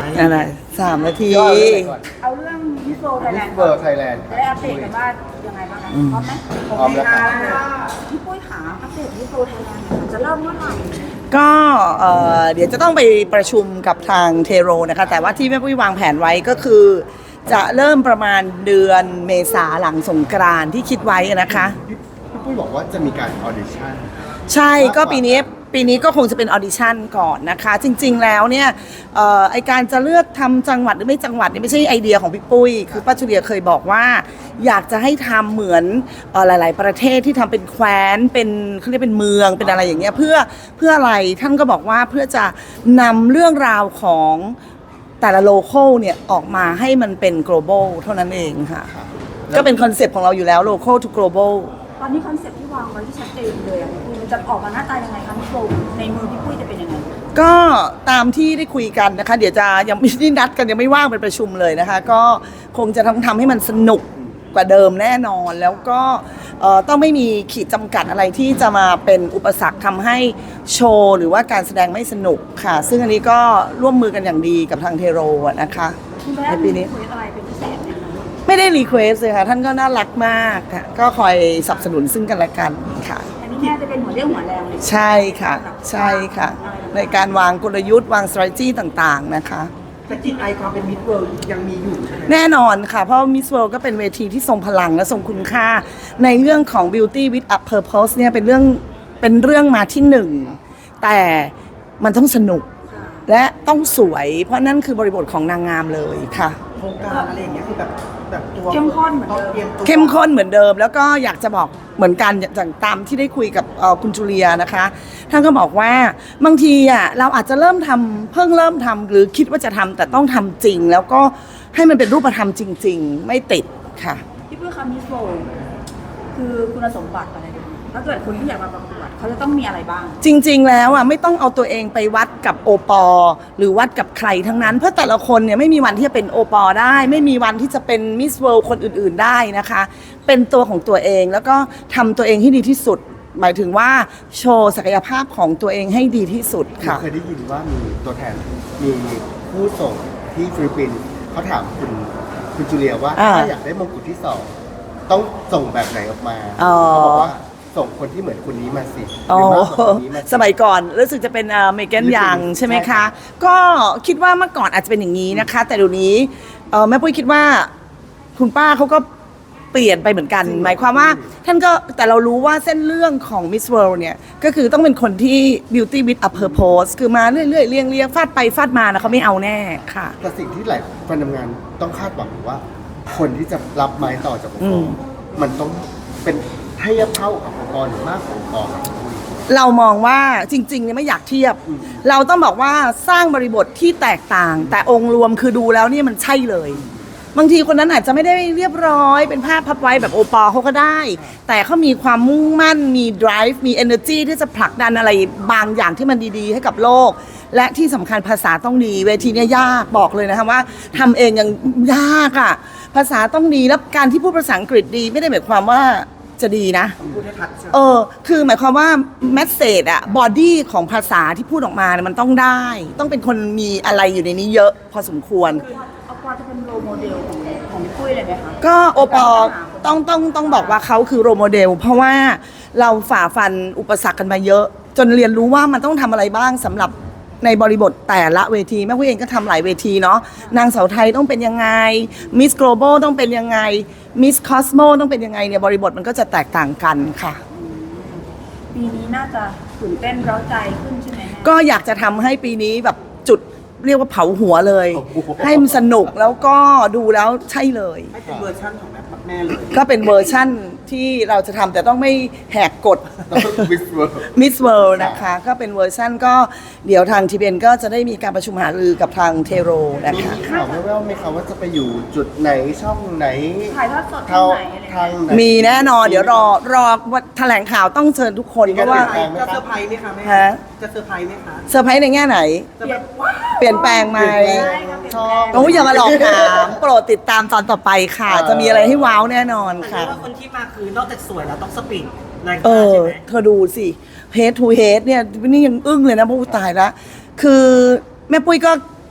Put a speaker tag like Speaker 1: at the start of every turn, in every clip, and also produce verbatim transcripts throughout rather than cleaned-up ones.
Speaker 1: อะไรสามนาที
Speaker 2: เอาเรื่องมิสโซไทยแลนด์
Speaker 3: เบอร์ไทยแลนด์
Speaker 2: ได้อัปเดตกันว่ายังไงบ้างคะพร้อมไหม
Speaker 3: พร้อมแล้วครับ
Speaker 2: พี่ปุ้ยขาอัปเดตมิสโซไทยแลนด์จะเริ่มเมื่อไหร่
Speaker 1: ก็เอ่อเดี๋ยวจะต้องไปประชุมกับทางเทโรนะคะแต่ว่าที่แม่ปุ้ยวางแผนไว้ก็คือ จะเริ่มประมาณเดือนเมษาหลังสงกรานต์ที่คิดไว้นะคะ
Speaker 3: พี่ปุ้ยบอกว่าจะมีการออดิชั่น
Speaker 1: ใช่ก็ปีนี้ปีนี้ก็คงจะเป็นออดิชั่นก่อนนะคะ จริงๆแล้วเนี่ยเอ่อไอการจะเลือกทำจังหวัดหรือไม่จังหวัดนี่ไม่ใช่ไอเดียของพี่ปุ้ยคือป้าจุเลียเคยบอกว่า อยากจะให้ทำเหมือนเอ่อหลาย ๆ ประเทศที่ทำเป็นแคว้นเป็นเขาเรียกเป็นเมืองเป็นอะไรอย่างเงี้ยเพื่อเพื่ออะไรท่านก็บอกว่าเพื่อจะนำเรื่องราวของแต่ละโลเคอลเนี่ยออกมาให้มันเป็น global เท่านั้นเองค่ะก็เป็นคอนเซปต์ของเราอยู่แล้ว local to global
Speaker 2: ตอนนี้คอนเซ็ปต์ที่วางไว้ที่ชัดเจนเลยอะคุณมันจะออกมาหน้าตายังไงคะมิสโซในมือพี่ปุ้ยจะเป็นยังไง
Speaker 1: ก็ตามที่ได้คุยกันนะคะ เดี๋ยวจะยังไม่ได้นัดกันยังไม่ว่างเป็นประชุมเลยนะคะ ก็คงจะทำทำให้มันสนุกกว่าเดิมแน่นอน แล้วก็เอ่อต้องไม่มีขีดจำกัดอะไรที่จะมาเป็นอุปสรรคทำให้โชว์หรือว่าการแสดงไม่สนุกค่ะ ซึ่งอันนี้ก็ร่วมมือกันอย่างดีกับทางเทโรอะนะคะ
Speaker 2: คุณแม่
Speaker 1: ในปีนี้
Speaker 2: คุยอะไรเป็นพิเศษไหมคะ
Speaker 1: ไม่ได้รีเควสเลยค่ะ ท่านก็น่ารักมากค่ะก็คอยสนับสนุนซึ่งกันและกันค่ะ
Speaker 2: อันนี้แม่จะเป็นหัวเรี่ยวหัวแรงเลย
Speaker 1: ใช่ค่ะใช่ค่ะ ในการวางกลยุทธ์วาง strategy ต่างๆนะคะ
Speaker 4: แต่จิตไอความเป็นมิตรเวิลด์ยังมีอยู่ใช่ไหม
Speaker 1: แน่นอนค่ะ เพราะ Miss World ก็เป็นเวทีที่ทรงพลังและทรงคุณค่า ในเรื่องของ Beauty with a Purpose เนี่ยเป็นเรื่องเป็นเรื่องมาที่หนึ่ง แต่มันต้องสนุกและต้องสวย เพราะนั่นคือบริบทของนางงามเลยค่ะ
Speaker 4: โครงการอะไรอย่างเงี้ยคือแบบแบบตัว
Speaker 2: เข้มข้นเหมือนเดิม
Speaker 4: ตรียตัว
Speaker 1: เข้มข้นเหมือนเดิม แล้วก็อยากจะบอกเหมือนกันอย่างตามที่ได้คุยกับเอ่อคุณจูเลียนะคะท่านก็บอกว่าบางทีอ่ะเราอาจจะเริ่มทำเพิ่งเริ่มทำหรือคิดว่าจะทำแต่ต้องทำจริง แล้วก็ให้มันเป็นรูปธรรมจริง ๆ ไม่ติดค่ะ
Speaker 2: พี่ปุ้ยคะมิสโซคือคุณสมบัติอะไรดีถ้าเกิดคนที่อยากมาประกวดเขาจะต้องมีอะไรบ้าง
Speaker 1: จริง ๆ แล้วอ่ะไม่ต้องเอาตัวเองไปวัดกับโอปอหรือวัดกับใครทั้งนั้น เพราะแต่ละคนเนี่ยไม่มีวันที่จะเป็นโอปอได้ ไม่มีวันที่จะเป็นมิสเวิลด์คนอื่นๆได้นะคะ เป็นตัวของตัวเองแล้วก็ทำตัวเองให้ดีที่สุด หมายถึงว่าโชว์ศักยภาพของตัวเองให้ดีที่สุดค่ะ
Speaker 3: เคยได้ยินว่ามีตัวแทนมีผู้ส่งที่ฟิลิปปินส์เขาถามคุณคุณจูเลียว่า
Speaker 1: อ่า
Speaker 3: ถ้าอยากได้มงกุฎที่สองต้องส่งแบบไหนออกมา
Speaker 1: อ๋อ
Speaker 3: เขาบอกว่าส่งคนที่เหมือนคนนี้มาสิห
Speaker 1: อ๋อ
Speaker 3: รือมากกว่าคนนี้มาสิ
Speaker 1: สมัยก่อนรู้สึกจะเป็นเมแกนยังใช่ไหมคะ ก็คิดว่าเมื่อก่อนอาจจะเป็นอย่างนี้นะคะ แต่เดี๋ยวนี้เอ่อแม่ปุ้ยคิดว่าคุณป้าเขาก็เปลี่ยนไปเหมือนกัน หมายความว่าท่านก็แต่เรารู้ว่าเส้นเรื่องของ Miss World เนี่ย ก็คือต้องเป็นคนที่ beauty with a purpose คือมาเรื่อยๆเรียงเรียงฟาดไปฟาดมานะเขาไม่เอาแน่ค่ะ
Speaker 3: แต่สิ่งที่หลายคนทำงานต้องคาดหวังว่า คนที่จะรับไม้ต่อจากองค์ก
Speaker 1: อื
Speaker 3: ร
Speaker 1: ม
Speaker 3: มันต้องเป็นเทียบเท่ากับองค์กรหรือมากกว่าองค์กร
Speaker 1: เรามองว่าจริงๆเนี่ยไม่อยากเทียบ เราต้องบอกว่าสร้างบริบทที่แตกต่าง แต่องค์รวมคือดูแล้วเนี่ยมันใช่เลย บางทีคนนั้นอาจจะไม่ได้เรียบร้อยเป็นภาพพับไว้แบบโอปอล์เขาก็ได้ แต่เขามีความมุ่งมั่นมี drive มี energy ที่จะผลักดันอะไรบางอย่างที่มันดีๆ ให้กับโลก และที่สำคัญภาษาต้องดี เวทีเนี่ยยากบอกเลยนะคะว่าทำเองยังยากอ่ะภาษาต้องดีแล้วการที่พูดภาษาอังกฤษดีไม่ได้หมายความว่าจะดีนะ
Speaker 4: พูดให้ทัดใช่ไหม
Speaker 1: เออ คือหมายความว่าแมสเซจอะบอดี้ของภาษาที่พูดออกมาเนี่ยมันต้องได้ ต้องเป็นคนมีอะไรอยู่ในนี้เยอะพอสมควร
Speaker 2: คือเอาปอจะเป็นโรโมเดลของของพี่ปุ้ยเลยไหมคะ
Speaker 1: ก็โอปอต้องต้องต้องบอกว่าเขาคือโรโมเดล เพราะว่าเราฝ่าฟันอุปสรรคกันมาเยอะ จนเรียนรู้ว่ามันต้องทำอะไรบ้างสำหรับในบริบทแต่ละเวทีแม่ผู้เองก็ทำหลายเวทีเนาะนางสาวไทยต้องเป็นยังไงมิส Global ต้องเป็นยังไงมิส Cosmo ต้องเป็นยังไงเนี่ยบริบทมันก็จะแตกต่างกันค่ะ
Speaker 2: ปีนี้น่าจะตื่นเต้นเร้าใจขึ้นใช่ไหมแม่
Speaker 1: ก็อยากจะทำให้ปีนี้แบบจุดเรียกว่าเผาหัวเลย
Speaker 3: โอ้โห
Speaker 1: ให้มันสนุกแล้วก็ดูแล้วใช่เลย
Speaker 4: ให้เป็นเวอร์ชั่นของแม่แม่เลย
Speaker 1: ก็เป็นเวอร์ชั่นที่เราจะทำแต่ต้องไม่แหกกฎ
Speaker 3: ต้องวิสเวิร์
Speaker 1: Miss World นะคะ ก็เป็นเวอร์ชั่นก็เดี๋ยวทางทีเบนก็จะได้มีการประชุมหารือกับทางเทโรนะ
Speaker 3: มี
Speaker 1: คะ
Speaker 3: ข่าวแว่วๆไหมคะว่าจะไปอยู่จุดไหนช่องไหน
Speaker 2: ถ่ายทอดสดที่
Speaker 3: เท่า
Speaker 2: ไหนอะไร
Speaker 3: ทางไหน
Speaker 1: มีแน่นอนเดี๋ยวรอรอวันแถลงข่าวต้องเชิญทุกคน
Speaker 3: มี
Speaker 1: เพ
Speaker 3: การ
Speaker 1: ราะว่า
Speaker 3: เปลี่ยนแปลง
Speaker 4: จะเซอร์ไพรส์ไหมคะแม่
Speaker 1: ฮะ
Speaker 4: จะเซอร์ไพรส์ไหมคะ
Speaker 1: เซอร์ไพรส์ในแง่ไหน
Speaker 4: จะแบบ
Speaker 1: เปลี่ยนแปลงไหม
Speaker 3: ช่อง
Speaker 1: โอ้ยอย่ามาหลอกถามโปรดติดตามตอนต่อไปค่ะ จะมีอะไรให้ว้าวแน่นอน
Speaker 4: แต่
Speaker 1: ค่ะ
Speaker 4: ว่าคนที่มาคือนอกจากสวยแล้วต้องสปีดแรง
Speaker 1: เอก
Speaker 4: ล้า
Speaker 1: อ
Speaker 4: ใช่ไหม
Speaker 1: เธอดูสิ head to head เนี่ยนี่ยังอึ้งเลยนะพวกตายละคือแม่ปุ้ยก็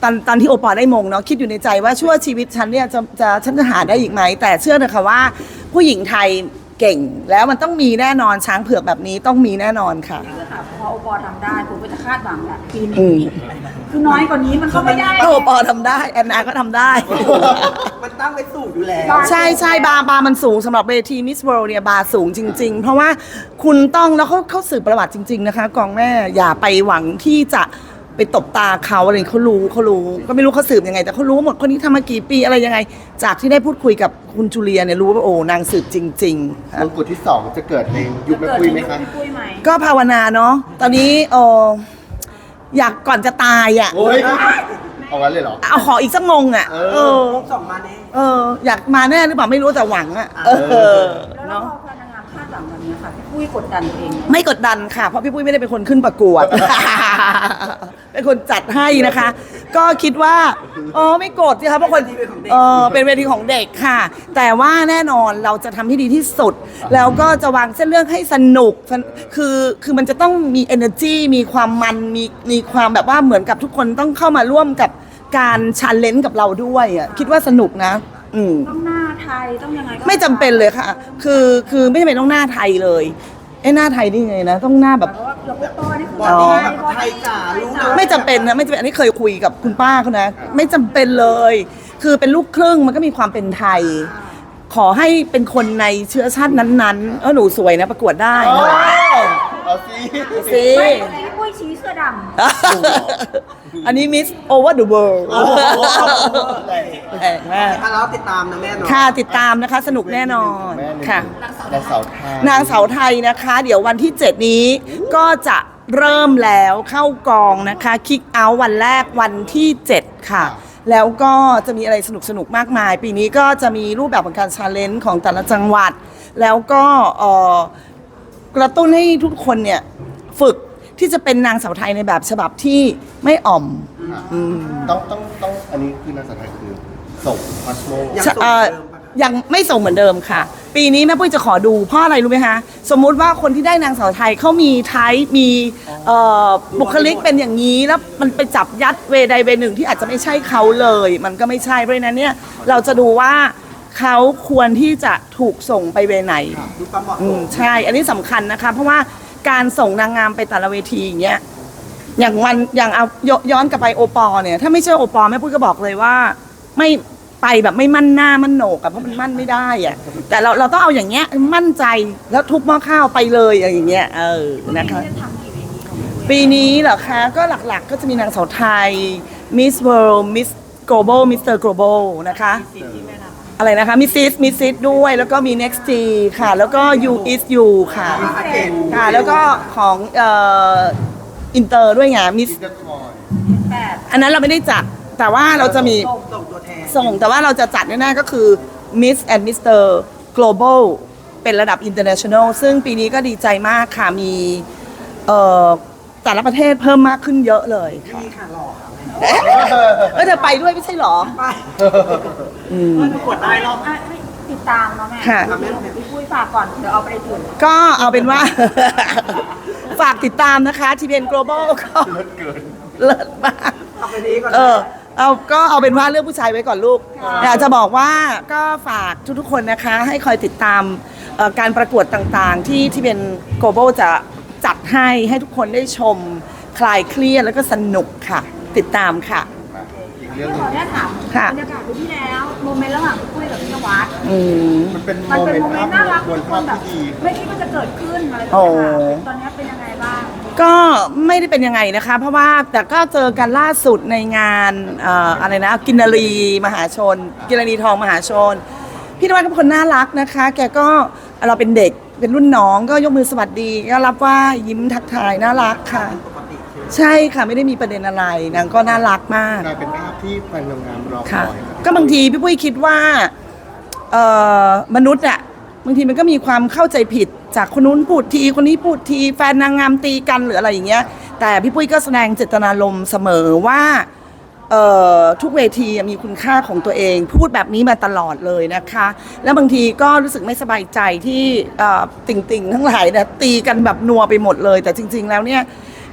Speaker 1: ตอนตอนที่โอปอล์ได้มงเนาะคิดอยู่ในใจว่าชั่วชีวิตฉันเนี่ยจะจะฉันจะหาได้อีกไหมแต่เชื่อเถอะค่ะว่าผู้หญิงไทยเก่งแล้วมันต้องมีแน่นอนช้างเผือกแบบนี้ต้องมีแน่นอนค่ะ
Speaker 2: นี่คือค่ะพอโอปอทำได้ผมก็จะคาดหวังแหละปี
Speaker 1: อื
Speaker 2: นี้
Speaker 1: ม
Speaker 2: คือน้อยกว่านี้มันก็ไม่ได้
Speaker 1: ถ้าโอปอล์ทำได้แอนนาก็ทำได้
Speaker 4: มันตั้งไว้สูงอยู่แล้ว
Speaker 1: ใช่ใช่บาร์บาร์มันสูงสำหรับเวทีมิสเวิลด์เนี่ยบาร์สูงจริง ๆ เพราะว่าคุณต้องแล้วเขาเขาสืบประวัติจริง ๆ นะคะกองแม่อย่าไปหวังที่จะไปตบตาเขาอะไรเขารู้เขารู้ก็ไม่รู้เขาสืบยังไง แต่เขารู้หมดคนนี้ทำมากี่ปีอะไรยังไง จากที่ได้พูดคุยกับคุณจูเลียเนี่ยรู้ว่าโอ้นางสืบจริงๆค่ะ
Speaker 3: มงกุฎที่สองจะเกิดในยุคแม่
Speaker 2: เกิด
Speaker 3: ปุ้ย
Speaker 2: ใน
Speaker 3: ไหม
Speaker 2: ยุค
Speaker 3: คะ
Speaker 2: พี่ปุ้ยไหม
Speaker 1: ก็ภาวนาเนาะตอนนี้เอออยากก่อนจะตายอ่ะ
Speaker 3: โอ้ยเอางั้นเลยเหรอ
Speaker 1: เอาขออีกสักงงอ่ะ
Speaker 3: เออ
Speaker 1: เออ
Speaker 4: วงสองมาแน่
Speaker 1: เอออยากมาแน่หรือเปล่าไม่รู้แต่หวังอ่ะเออ
Speaker 2: แล้ว
Speaker 1: เนาะ
Speaker 2: พอพนางงามคาดหวังแบบนี้ค่ะพี่ปุ้ยกดดันตัวเองไหม
Speaker 1: ไม่กดดันค่ะ เพราะพี่ปุ้ยไม่ได้เป็นคนขึ้นประกวด เป็นคนจัดให้นะคะ ก็คิดว่าเออไม่โกรธสิคะเพราะคนเออเป็นเวทีของเด็กค่ะ แต่ว่าแน่นอนเราจะทำให้ดีที่สุด แล้วก็จะวางเส้นเรื่องให้สนุกคือคือมันจะต้องมี energy มีความมันมีมีความแบบว่าเหมือนกับทุกคนต้องเข้ามาร่วมกับการชันเลนกับเราด้วยอ่ะคิดว่าสนุกนะ อืม
Speaker 2: ต้องหน้าไทยต้องยังไงก็
Speaker 1: ไม่จำเป็นเลยค่ะ คือคือไม่จำเป็นต้องหน้าไทยเลยไอ้หน้าไทยนี่ไงนะ ต้องหน้าแบบ
Speaker 2: เพราะว่าเราโอปอนี่คือบ
Speaker 4: อดี้แบบไทยจ๋ารู้เลย
Speaker 1: ไม่จำเป็นนะไม่จำเป็นอันนี้เคยคุยกับคุณป้าเขานะ ไม่จำเป็นเลย คือเป็นลูกครึ่งมันก็มีความเป็นไทย ขอให้เป็นคนในเชื้อชาตินั้นๆเออหนูสวยนะประกวดได้
Speaker 3: เอา
Speaker 1: นะ
Speaker 3: เอาสิ
Speaker 1: สิ
Speaker 2: ไม่พี่ปุ้ยชี้เสื้อดำ
Speaker 1: อันนี้มิสโอเวอร์เดอะเวิลด์แปลกมาก
Speaker 4: อ่ะแล้วติดตามนะแม่เนาะ
Speaker 1: ค่ะติดตามนะคะสนุกแน่นอน
Speaker 3: แม่หนึ่ง
Speaker 1: ค่ะ
Speaker 3: นางสาวไทย
Speaker 1: นางเสาไทยนะคะ เดี๋ยววันที่ เจ็ด นี้ก็จะเริ่มแล้วเข้ากองนะคะคิกเอาท์วันแรกวันที่ เจ็ด ค่ะ แล้วก็จะมีอะไรสนุกสนุกๆมากมาย ปีนี้ก็จะมีรูปแบบของการชาเลนจ์ของแต่ละจังหวัด แล้วก็เอ่อกระตุ้นให้ทุกคนเนี่ยฝึกที่จะเป็นนางสาวไทยในแบบฉบับที่ไม่อ่อม
Speaker 3: ค่ะ
Speaker 1: อืม
Speaker 3: ต้องต้องต้องอันนี้คือนางสาวไทยคือส่งพาสโม
Speaker 4: ยัง
Speaker 1: เอ่อยังไม่ส่งเหมือนเดิมค่ะ ปีนี้แม่ปุ้ยจะขอดูเพราะอะไรรู้ไหมคะ สมมุติว่าคนที่ได้นางสาวไทยเขามีไทป์มีเอ่อบุคลิกเป็นอย่างนี้ แล้วมันไปจับยัดเวใดเวหนึ่งที่อาจจะไม่ใช่เขาเลย มันก็ไม่ใช่เพราะฉะนั้นเนี่ยเราจะดูว่าเขาควรที่จะถูกส่งไปเวไหน
Speaker 4: ดูความเหมาะ
Speaker 1: อื
Speaker 4: ส
Speaker 1: ม
Speaker 4: ม
Speaker 1: ใช่ อันนี้สำคัญนะคะ เพราะว่าการส่งนางงามไปแต่ละเวทีอย่างเงี้ย อย่างวันอย่างเอายย้อนกลับไปโอปอล์เนี่ย ถ้าไม่เชื่อโอปอล์แม่ปุ้ยก็บอกเลยว่า ไม่ไปแบบไม่มั่นหน้ามั่นโหนกอะเพราะมันมั่นไม่ได้อะแต่เราเราต้องเอาอย่างเงี้ยมั่นใจแล้วทุบหม้อข้าวไปเลยอย่างเงี้ยเออนะคะ
Speaker 2: จะทำกี่เวทีของพี่ปุ้ย
Speaker 1: ปีนี้เหรอคะก็หลักๆ ก็จะมีนางสาวไทย Miss World Miss Global มิสเตอร์ Global นะคะอะไรนะคะมิสซิสมิสซิสด้วยแล้วก็มี Next G ค่ะ แล้วก็ You is You ค่ะ ค่ะ แล้วก็ของเอ่ออินเตอร์ด้วยไงมิส
Speaker 3: ที่จะคอย
Speaker 2: แปด
Speaker 1: อันนั้นเราไม่ได้จัด แต่ว่าเราจะมี
Speaker 4: ส่งส่งตัวแทน
Speaker 1: ส่งแต่ว่าเราจะจัดแน่ๆก็คือ Miss and มิสเตอร์ Global เป็นระดับ International ซึ่งปีนี้ก็ดีใจมากค่ะ มีเอ่อแต่ละประเทศเพิ่มมากขึ้นเยอะเลยค่ะ
Speaker 4: นี่ค่ะหล่อค่ะ
Speaker 1: เอ๊ะเออเธอไปด้วยไม่ใช่เหรอ
Speaker 4: ไป
Speaker 1: อืม
Speaker 4: ประกวดได้รอบ
Speaker 2: อ่ะให้ติดตามเนาะแม่
Speaker 1: ค่ะ
Speaker 2: เดี๋ยวพี่ปุ้ยฝากก่อนเดี๋ยวเอาไปในถึง
Speaker 1: ก็เอาเป็นว่า ฝากติดตามนะคะ ที พี เอ็น Global ก็
Speaker 3: เลิศเกิน
Speaker 1: เลิศมาก
Speaker 4: เอาไปนี้ก่อน
Speaker 1: เออเอาก็เอาเป็นว่าเรื่องผู้ชายไว้ก่อนลูก อยากจะบอกว่าก็ฝากทุกๆคนนะคะ ให้คอยติดตามเอ่อการประกวดต่างๆ ที่ที่เป็น global จะจัดให้ให้ทุกคนได้ชมคลายเครียดแล้วก็สนุกค่ะ ติดตามค่ะ
Speaker 3: มาอีกเรื่
Speaker 2: พี่
Speaker 3: องห
Speaker 2: ข
Speaker 3: นึ
Speaker 2: อง อนุญาตถาม
Speaker 1: ค่ะ
Speaker 2: บรรยากาศปีที่แล้วโมเมนต์ระหว่างพี่ปุ้ยกับพี่นวัด
Speaker 1: อืม
Speaker 3: มันเป็น
Speaker 2: มัน
Speaker 3: โม
Speaker 2: เป็น
Speaker 3: เมน
Speaker 2: โม
Speaker 3: ต์
Speaker 2: เมนต์น่ารัก
Speaker 3: มวล
Speaker 2: ทุกค
Speaker 3: ภาพ
Speaker 2: นแบบ
Speaker 3: ที่ดี
Speaker 2: ไม่คิดว่าจะเกิดขึ้นอะไรแบบ
Speaker 1: โอ้
Speaker 2: นี้ค่ะตอนนี้เป็นยังไงบ้าง
Speaker 1: ก็ไม่ได้เป็นยังไงนะคะ เพราะว่าแต่ก็เจอกันล่าสุดในงานเอ่ออะไรนะกินนารีมหาชน กินนารีทองมหาชน พี่นวัดก็เป็นคนน่ารักนะคะ แกก็เราเป็นเด็กเป็นรุ่นน้องก็ยกมือสวัสดีก็รับว่ายิ้มทักทายน่ารักค่ะ
Speaker 4: ปกติคือ
Speaker 1: ใช่ค่ะไม่ได้มีประเด็นอะไรนางก็น่ารักมาก
Speaker 3: กลายเป็นภาพที่แฟนนางงามรอค
Speaker 1: ค่ะ
Speaker 3: อยครับ
Speaker 1: ก็บางทีพี่ปุ้ยคิดว่าเอ่อมนุษย์อะบางทีมันก็มีความเข้าใจผิดจากคนนู้นพูดทีคนนี้พูดทีแฟนนางงามตีกันหรืออะไรอย่างเงี้ย แต่พี่ปุ้ยก็แสดงเจตนารมณ์เสมอว่าเอ่อทุกเวทีมีคุณค่าของตัวเอง พูดแบบนี้มาตลอดเลยนะคะ แล้วบางทีก็รู้สึกไม่สบายใจที่เอ่อติ่งๆ ทั้งหลายเนี่ยตีกันแบบนัวไปหมดเลย แต่จริง ๆ แล้วเนี่ย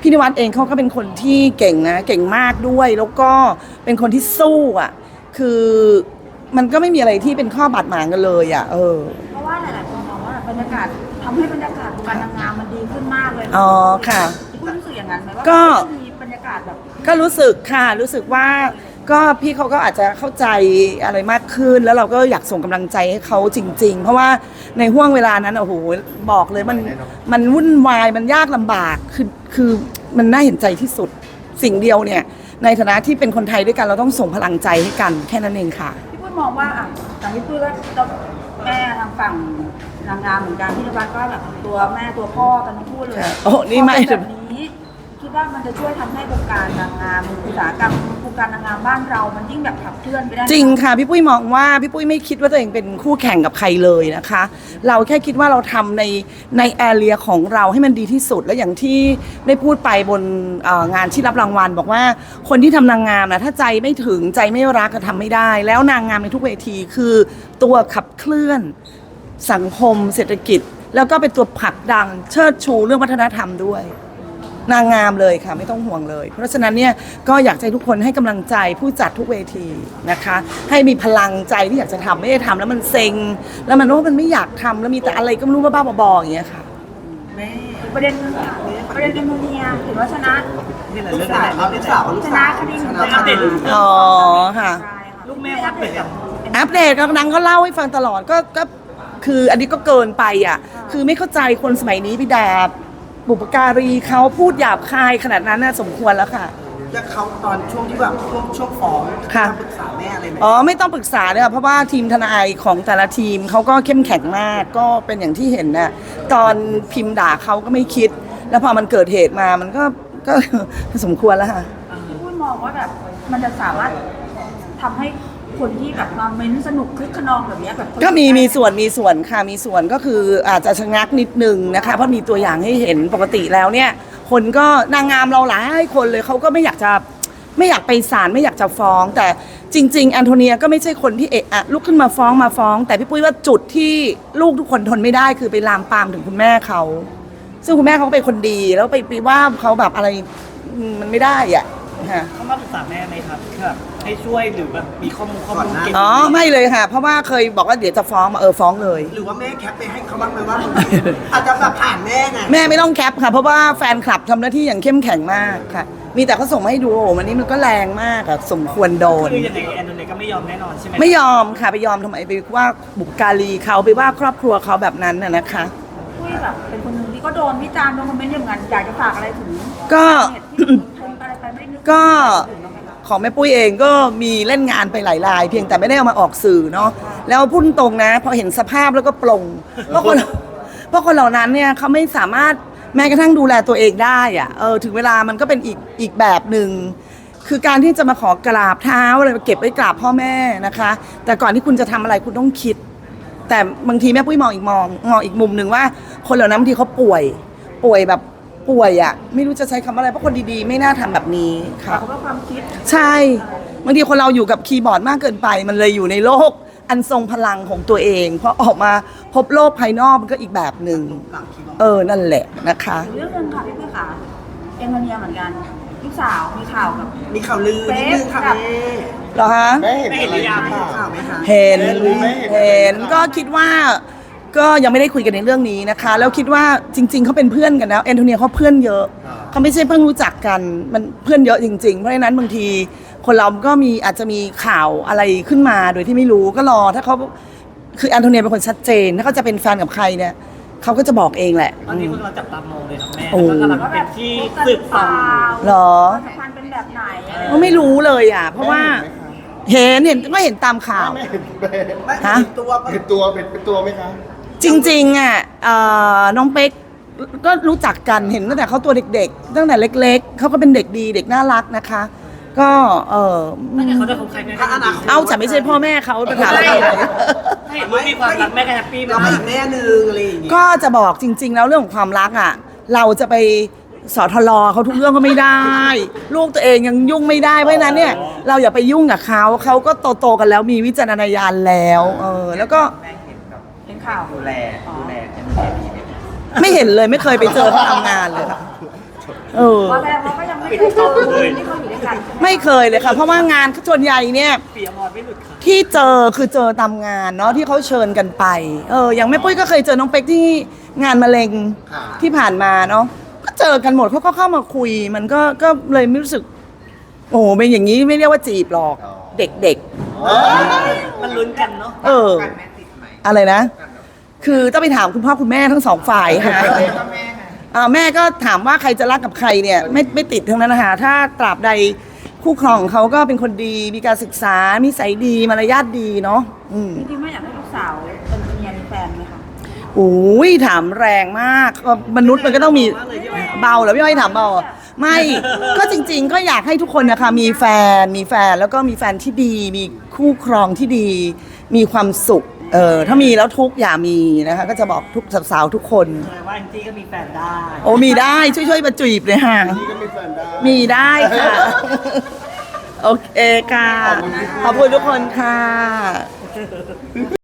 Speaker 1: พี่นิวัฒน์เองเขาก็เป็นคนที่เก่งนะเก่งมากด้วย แล้วก็เป็นคนที่สู้อ่ะคือมันก็ไม่มีอะไรที่เป็นข้อบาดหมางกันเลยอ่ะเออ
Speaker 2: เพราะว่าหลายๆคนมองว่าบรรยากาศทำให้บรรยากาศวงการนางงามมันดีขึ้นมากเลย
Speaker 1: อ๋อค่ะ
Speaker 2: พี่ปุ้ยรู้สึกอย่างนั้นไหมว่า
Speaker 1: ก็
Speaker 2: มันมีบรรยากาศแบบ
Speaker 1: ก็รู้สึกค่ะรู้สึกว่าก็พี่เขาก็อาจจะเข้าใจอะไรมากขึ้น แล้วเราก็อยากส่งกำลังใจให้เขาจริง ๆ เพราะว่าในห่วงเวลานั้นโอ้โหบอกเลยมันมันวุ่นวายมันยากลำบากคือคือมันน่าเห็นใจที่สุดสิ่งเดียวเนี่ยในฐานะที่เป็นคนไทยด้วยกันเราต้องส่งพลังใจให้กันแค่นั้นเองค่ะ
Speaker 2: พี่ปุ้ยมองว่าอ่ะแต่พี่ปุ้ยก็ต้องแม่ทางฝั่งนางงามเหมือนกันพี่นวัดก็แบบตัวแม่ตัวพ่อกันทั้งคู่เลย
Speaker 1: ค่ะโอ้นี่ไม่
Speaker 2: พอเป็นแบบนี้คิดว่ามันจะช่วยทำให้วงการนางงามอุตสาหกรรมวงการนางงามบ้านเรามันยิ่งแบบขับเคลื่อนไปได้
Speaker 1: จริงค่ะพี่ปุ้ยมองว่าพี่ปุ้ยไม่คิดว่าตัวเองเป็นคู่แข่งกับใครเลยนะคะ เราแค่คิดว่าเราทำในในแอเรียของเราให้มันดีที่สุดและอย่างที่ได้พูดไปบนเอ่องานที่รับรางวัลบอกว่าคนที่ทำนางงามนะถ้าใจไม่ถึงใจไม่รักก็ทำไม่ได้ แล้วนางงามในทุกเวทีคือตัวขับเคลื่อนสังคมเศรษฐกิจ แล้วก็เป็นตัวผลักดันเชิดชูเรื่องวัฒนธรรมด้วย นางงามเลยค่ะไม่ต้องห่วงเลย เพราะฉะนั้นเนี่ยก็อยากให้ทุกคนให้กำลังใจผู้จัดทุกเวทีนะคะ ให้มีพลังใจที่อยากจะทำไม่ได้ทำแล้วมันเซ็ง แล้วมันว่ามันไม่อยากทำแล้วมีแต่อะไรก็ไม่รู้บ้าๆบอๆอย่างเงี้ยค่ะ
Speaker 4: แม่
Speaker 2: ประเด็นประเด็นแอมโมเนียถือว่าชนะ
Speaker 4: นี่แหละเรื่องอะไรลูกสาวลูก
Speaker 2: ช
Speaker 4: สา
Speaker 2: นะ
Speaker 4: ว
Speaker 2: คดีหนึ่ง
Speaker 4: อัปเดตลูก
Speaker 1: อ๋อค่ะ
Speaker 4: ลูกแม่อัปเดตกับ
Speaker 1: อัปเดตก็นางก็เล่าให้ฟังตลอดก็ก็คืออันนี้ก็เกินไปอ่ะคือไม่เข้าใจคนสมัยนี้พี่ดาบุปการีเขาพูดหยาบคายขนาดนั้นน่ะสมควรแล้วค่ะ
Speaker 4: แล้วเขาตอนช่วงที่แบบช่วงช่วงฟ้อง
Speaker 1: ค่ะ
Speaker 4: ปรึกษาแม่อะไรไหม
Speaker 1: อ๋อไม่ต้องปรึกษาเลยค่ะเพราะว่าทีมทนายของแต่ละทีมเขาก็เข้มแข็งมากก็เป็นอย่างที่เห็นน่ะตอนพิมพ์ด่าเขาก็ไม่คิด แล้วพอมันเกิดเหตุมามันก็ก็ สมควรแล้วค่ะ
Speaker 2: พี่ปุ้ยมองว่าแบบมันจะสามารถทำให้คนที่แบบมาเม้นสนุกคึกขนองแบบเนี้ยแบบ
Speaker 1: ก็มีมีส่วนมีส่วนค่ะมีส่วนก็คืออาจจะชะงักนิดนึงนะคะเพราะมีตัวอย่างให้เห็นปกติแล้วเนี่ยคนก็นางงามเราหลายคนเลยเขาก็ไม่อยากจะไม่อยากไปศาลไม่อยากจะฟ้อง แต่จริง ๆ แอนโทเนียก็ไม่ใช่คนที่เอะอะลุกขึ้นมาฟ้องมาฟ้อง แต่พี่ปุ้ยว่าจุดที่ลูกทุกคนทนไม่ได้คือไปลามปามถึงคุณแม่เขาซึ่งคุณแม่เขาก็เป็นคนดีแล้วไปไปว่าเขาแบบอะไรมันไม่ได้อ่ะค่ะ
Speaker 5: เขามาปรึกษาแม่ไหมครับแบบให้ช่วยหรือแบบมีข้อมูลข้อมูลเก็บ
Speaker 1: อ๋อไม่เลยค่ะ เพราะว่าเคยบอกว่าเดี๋ยวจะฟ้องมาเออฟ้องเลย
Speaker 4: หรือว่าแม่แคปไปให้เขาบ้างไหมว่า อาจจะแบบผ่านแม่ไง
Speaker 1: แม่ไม่ต้องแคปค่ะ เพราะว่าแฟนคลับทำหน้าที่อย่างเข้มแข็งมากค่ะ มีแต่เขาส่งมาให้ดูโอ้โหวันนี้มันก็แรงมากอะสมควรโดน
Speaker 5: คือยังไงแอนโทเนียก็ไม่ยอมแน่นอนใช่ไหม
Speaker 1: ไม่ยอมค่ะไปยอมทำไมไปว่าบุปการีเขาไปว่าครอบครัวเขาแบบนั้นน่ะนะคะ
Speaker 2: ปุ้ยแบบเป็นคนหนึ่งที่ก็โดนวิจารณ์โดนคอมเมนต์อย่างนั้นอยากจะฝากอะไรถึง
Speaker 1: ก็
Speaker 2: เหตุที่โพสต์อะไรไปไม่นึก
Speaker 1: ก็
Speaker 2: ถึงบ้างไหมคะ
Speaker 1: ของแม่ปุ้ยเองก็มีเล่นงานไปหลายราย เพียงแต่ไม่ได้เอามาออกสื่อเนาะแล้วพูดตรงนะพอเห็นสภาพแล้วก็ปลงเพราะคนเพราะคนเหล่านั้นเนี่ยเขาไม่สามารถแม้กระทั่งดูแลตัวเองได้อะเออถึงเวลามันก็เป็นอีกอีกแบบหนึ่งคือการที่จะมาขอกราบเท้าอะไรเก็บไว้กราบพ่อแม่นะคะ แต่ก่อนที่คุณจะทำอะไรคุณต้องคิด แต่บางทีแม่ปุ้ยมองอีกมองมองอีกมุมหนึ่งว่าคนเหล่านั้นบางทีเขาป่วย ป่วยแบบป่วยอะไม่รู้จะใช้คำอะไรเพราะคนดีๆ ไม่น่าทำแบบนี้ค่ะ
Speaker 2: เพราะว่าความคิด
Speaker 1: ใช่บางทีคนเราอยู่กับคีย์บอร์ดมากเกินไป มันเลยอยู่ในโลกอันทรงพลังของตัวเองพอออกมาพบโลกภายนอกมันก็อีกแบบหนึ่งเออนั่นแหละนะคะ
Speaker 2: เรื่องหนึงค่ะพี่ปุ้ยค่ะเอ็มโมเนียเหมือนกันลูกสาวมีข่าวกับ
Speaker 4: มีข่าวลือนิดนึงค่ะแม่
Speaker 1: เหรอฮะ
Speaker 3: แม่เห็นอะไร
Speaker 5: ไม่เห็นหรือยัง
Speaker 3: หรือเปล่า
Speaker 4: ข่าวไหมคะ
Speaker 1: เห็น
Speaker 3: เห็นหรือไม่เห็น
Speaker 1: เห็นก็คิดว่าก็ยังไม่ได้คุยกันในเรื่องนี้นะคะ แล้วคิดว่าจริง ๆเขาเป็นเพื่อนกันนะแอนโทเนียเขาเพื่อนเยอะเขาไม่ใช่เพิ่งรู้จักกันมันเพื่อนเยอะจริง ๆ เพราะฉะนั้นบางทีคนเราก็มีอาจจะมีข่าวอะไรขึ้นมาโดยที่ไม่รู้ก็รอถ้าเขาคือแอนโทเนียเป็นคนชัดเจนถ้าเขาจะเป็นแฟนกับใครเนี่ยเขาก็จะบอกเองแหละ
Speaker 5: ตอนนี้พวกเราจับตามองเลยครับแม่
Speaker 1: โอ้
Speaker 5: แล้วก็กำลังเป็นที่สืบต่อ
Speaker 1: เหรอ
Speaker 2: ความสัมพันธ์เป็นแบบไหน
Speaker 1: ก็ไม่รู้เลยอ่ะ เพราะว่าเห็นเห็นก็เห็นตามข่าว
Speaker 3: แม่เห็นแม่
Speaker 4: ไม่
Speaker 1: ฮะ
Speaker 4: เห็นตัวปะ
Speaker 3: เห็นตัวเป็นเป็นตัวไหมคะ
Speaker 1: จริงๆอ่ะเอ่อน้องเป๊กก็รู้จักกันเห็นตั้งแต่เขาตัวเด็กๆ ตั้งแต่เล็กๆเขาก็เป็นเด็กดีเด็กน่ารักนะคะ ก็เออ
Speaker 5: ถ้าเกิดเขาจะคบใครแม่ก็
Speaker 4: ถ้าอนาคต
Speaker 1: เอาฉันไม่ใช่พ่อแม่เขาไปถามอะไร
Speaker 5: ถ้าเห็นว่ามีความรักแม่ก็แฮปปี้
Speaker 4: เรา
Speaker 5: นะ
Speaker 4: ก็อีกแม่หนึ่งอะไรอย่างงี้
Speaker 1: ก็จะบอกจริง ๆ แล้วเรื่องของความรักอ่ะ เราจะไปสอทลเขาทุกเรื่องก็ไม่ได้ ลูกตัวเองยังยุ่งไม่ได้เพราะฉะนั้นเนี่ยเราอย่าไปยุ่งกับเขาเขาก็โตๆกันแล้วมีวิจารณญาณแล้วเออแล้วก็
Speaker 2: เห็นข่าว
Speaker 5: ดูแลดูแล
Speaker 1: ไม่เห็นเลยไม่เคยไปเจอเขาทำงานเลยค่ะเออ
Speaker 2: เพราะแสดงว่าก็ยังไม่เคยเจอคนที่เขาอยู่ด้วยกันใช่ไหม
Speaker 1: ไม่เคยเลยค่ะ เพราะว่างานส่วนใหญ่เนี่ย
Speaker 5: ปีอมรไม่หลุดค่ะ
Speaker 1: ที่เจอคือเจอตามงานเนาะที่เขาเชิญกันไป เอออย่างแม่ปุ้ยก็เคยเจอน้องเป๊กที่งานมะเร็ง
Speaker 3: ค่ะ
Speaker 1: ที่ผ่านมาเนาะก็เจอกันหมดเขาก็เข้ามาคุย มันก็ก็เลยไม่รู้สึก โอ้โหเป็นอย่างนี้ไม่เรียกว่าจีบหรอก เด็ก
Speaker 5: มันลุ้นกันเนาะ
Speaker 1: ๆ เออ อะไรนะ คือต้องไปถามคุณพ่อคุณแม่ทั้งสองฝ่ายค่ะอ่าแม่ก็ถามว่าใครจะรักกับใครเนี่ยไม่ไม่ติดทั้งนั้นนะคะถ้าตราบใดคู่ครองของเขาก็เป็นคนดี มีการศึกษานิสัยดีมารยาทดีเนาะอืม
Speaker 2: จริงๆไม่อยากให้ลูกสาวเป็นเมียมีแฟนไหมคะ
Speaker 1: โอ้ยถามแรงมากก็มนุษย์มันก็ต้องมีเบาเหรอพี่อ้อยถามเบาเหรอไม่ ก็จริง ๆ ก็อยากให้ทุกคนนะคะมีแฟนมีแฟนแล้วก็มีแฟนที่ดี มีคู่ครองที่ดี มีความสุขเออถ้ามีแล้วทุกข์อย่ามีนะคะก็จะบอกทุกสาวๆทุกคน
Speaker 5: แปลว่าแองจี้ก็มีแฟนได้
Speaker 1: โอ้มีได้ช่วยๆมาจีบเลยค่ะ
Speaker 3: นี่ก็มีแฟนได้
Speaker 1: มีได้ค่ะ โอเคค่ะ ขอบคุณทุกคนค่ะ